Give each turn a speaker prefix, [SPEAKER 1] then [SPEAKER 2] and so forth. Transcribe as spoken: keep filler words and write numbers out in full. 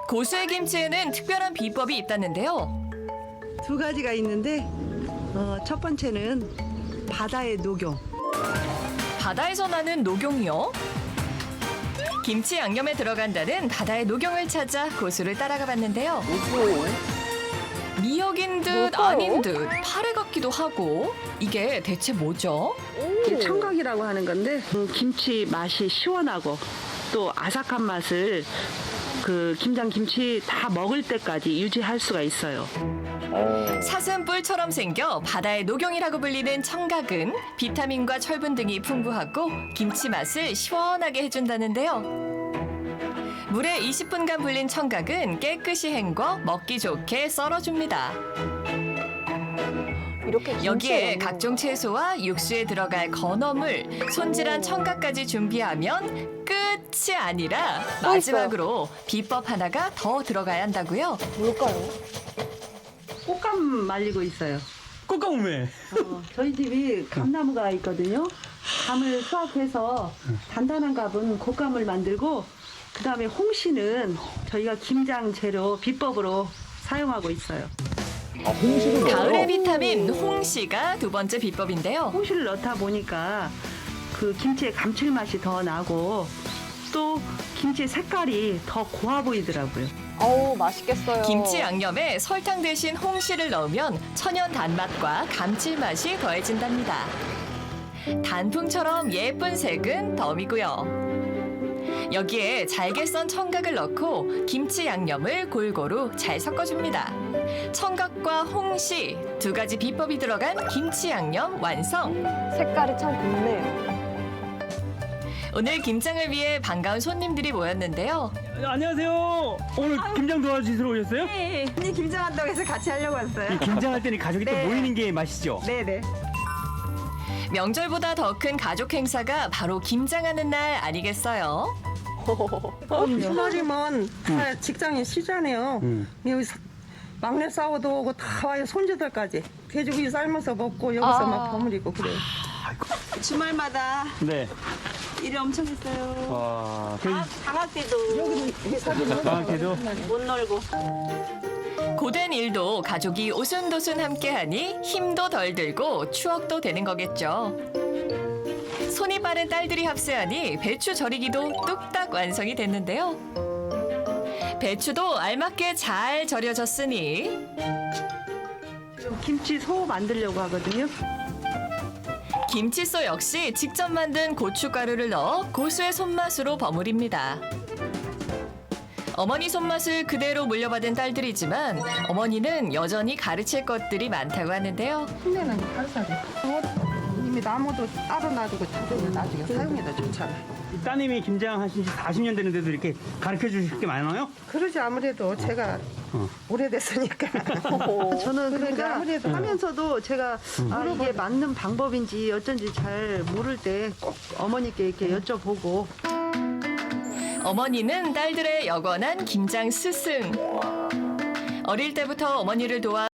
[SPEAKER 1] 고수의 김치에는 특별한 비법이 있다는데요.
[SPEAKER 2] 두 가지가 있는데 어, 첫 번째는 바다의 녹용.
[SPEAKER 1] 바다에서 나는 녹용이요? 김치 양념에 들어간다는 바다의 녹용을 찾아 고수를 따라가 봤는데요. 미역인 듯
[SPEAKER 3] 뭘까요?
[SPEAKER 1] 아닌 듯 파래 같기도 하고 이게 대체 뭐죠?
[SPEAKER 2] 이게 청각이라고 하는 건데 음, 김치 맛이 시원하고 또 아삭한 맛을 그 김장 김치 다 먹을 때까지 유지할 수가 있어요.
[SPEAKER 1] 사슴뿔처럼 생겨 바다의 녹용이라고 불리는 청각은 비타민과 철분 등이 풍부하고 김치 맛을 시원하게 해준다는데요. 물에 이십 분간 불린 청각은 깨끗이 헹궈 먹기 좋게 썰어줍니다.
[SPEAKER 3] 이렇게 김치에
[SPEAKER 1] 여기에
[SPEAKER 3] 넣는
[SPEAKER 1] 각종 채소와 육수에 들어갈 건어물, 손질한 청각까지 준비하면 끝이 아니라
[SPEAKER 3] 또
[SPEAKER 1] 마지막으로 비법 하나가 더 들어가야 한다고요.
[SPEAKER 3] 뭘까요?
[SPEAKER 2] 꽃감 말리고 있어요.
[SPEAKER 4] 꽃가무매.
[SPEAKER 2] 어, 저희 집이 감나무가 있거든요. 감을 수확해서 단단한 감은 곶감을 만들고 그다음에 홍시는 저희가 김장 재료 비법으로 사용하고 있어요.
[SPEAKER 4] 아, 홍시를
[SPEAKER 1] 가을의 비타민 홍시가 두 번째 비법인데요.
[SPEAKER 2] 홍시를 넣다 보니까 그 김치의 감칠맛이 더 나고 또 김치 색깔이 더 고와 보이더라고요.
[SPEAKER 3] 어우, 맛있겠어요.
[SPEAKER 1] 김치 양념에 설탕 대신 홍시를 넣으면 천연 단맛과 감칠맛이 더해진답니다. 단풍처럼 예쁜 색은 덤이고요. 여기에 잘게 썬 청각을 넣고 김치 양념을 골고루 잘 섞어줍니다. 청각과 홍시 두 가지 비법이 들어간 김치 양념 완성.
[SPEAKER 3] 색깔이 참 곱네요.
[SPEAKER 1] 오늘 김장을 위해 반가운 손님들이 모였는데요.
[SPEAKER 4] 안녕하세요. 오늘 김장 도와주시러 오셨어요?
[SPEAKER 5] 네, 언니 김장한다고 해서 같이 하려고 왔어요.
[SPEAKER 4] 이 김장할 때는 가족이
[SPEAKER 5] 네.
[SPEAKER 4] 또 모이는 게 맛이죠.
[SPEAKER 5] 네네.
[SPEAKER 1] 명절보다 더 큰 가족 행사가 바로 김장하는 날 아니겠어요?
[SPEAKER 5] 주말이면 다 직장에 쉬잖아요.
[SPEAKER 4] 음.
[SPEAKER 5] 여기 사- 막내 싸워도 오고 다 와요. 손주들까지. 돼지고기 삶아서 먹고 여기서
[SPEAKER 3] 아.
[SPEAKER 5] 막 버무리고 그래요. 주말마다
[SPEAKER 4] 네.
[SPEAKER 5] 일이 엄청 있어요.
[SPEAKER 4] 와. 그
[SPEAKER 5] 방학 때도
[SPEAKER 4] 방학 때도
[SPEAKER 5] 못 놀고.
[SPEAKER 1] 고된 일도 가족이 오순도순 함께하니 힘도 덜 들고 추억도 되는 거겠죠. 손이 빠른 딸들이 합세하니 배추 절이기도 뚝딱 완성이 됐는데요. 배추도 알맞게 잘 절여졌으니
[SPEAKER 2] 지금 김치 소 만들려고 하거든요.
[SPEAKER 1] 김치소 역시 직접 만든 고춧가루를 넣어 고수의 손맛으로 버무립니다. 어머니 손맛을 그대로 물려받은 딸들이지만 어머니는 여전히 가르칠 것들이 많다고 하는데요.
[SPEAKER 5] 흉내는 살살이. 이미 나무도 따로 놔두고 자두는 나중에 사용해도 좋잖아요.
[SPEAKER 4] 이 따님이 김장 하신 지 사십 년 되는데도 이렇게 가르쳐 주실 게 많아요?
[SPEAKER 5] 그러지 아무래도 제가
[SPEAKER 4] 어.
[SPEAKER 5] 오래됐으니까.
[SPEAKER 2] 저는
[SPEAKER 5] 그러니까
[SPEAKER 2] 그러니까
[SPEAKER 5] 아무래도
[SPEAKER 2] 하면서도 제가 아, 이게 맞는 방법인지 어쩐지 잘 모를 때 꼭 어머니께 이렇게 여쭤보고
[SPEAKER 1] 어머니는 딸들의 여건한 김장 스승. 어릴 때부터 어머니를 도와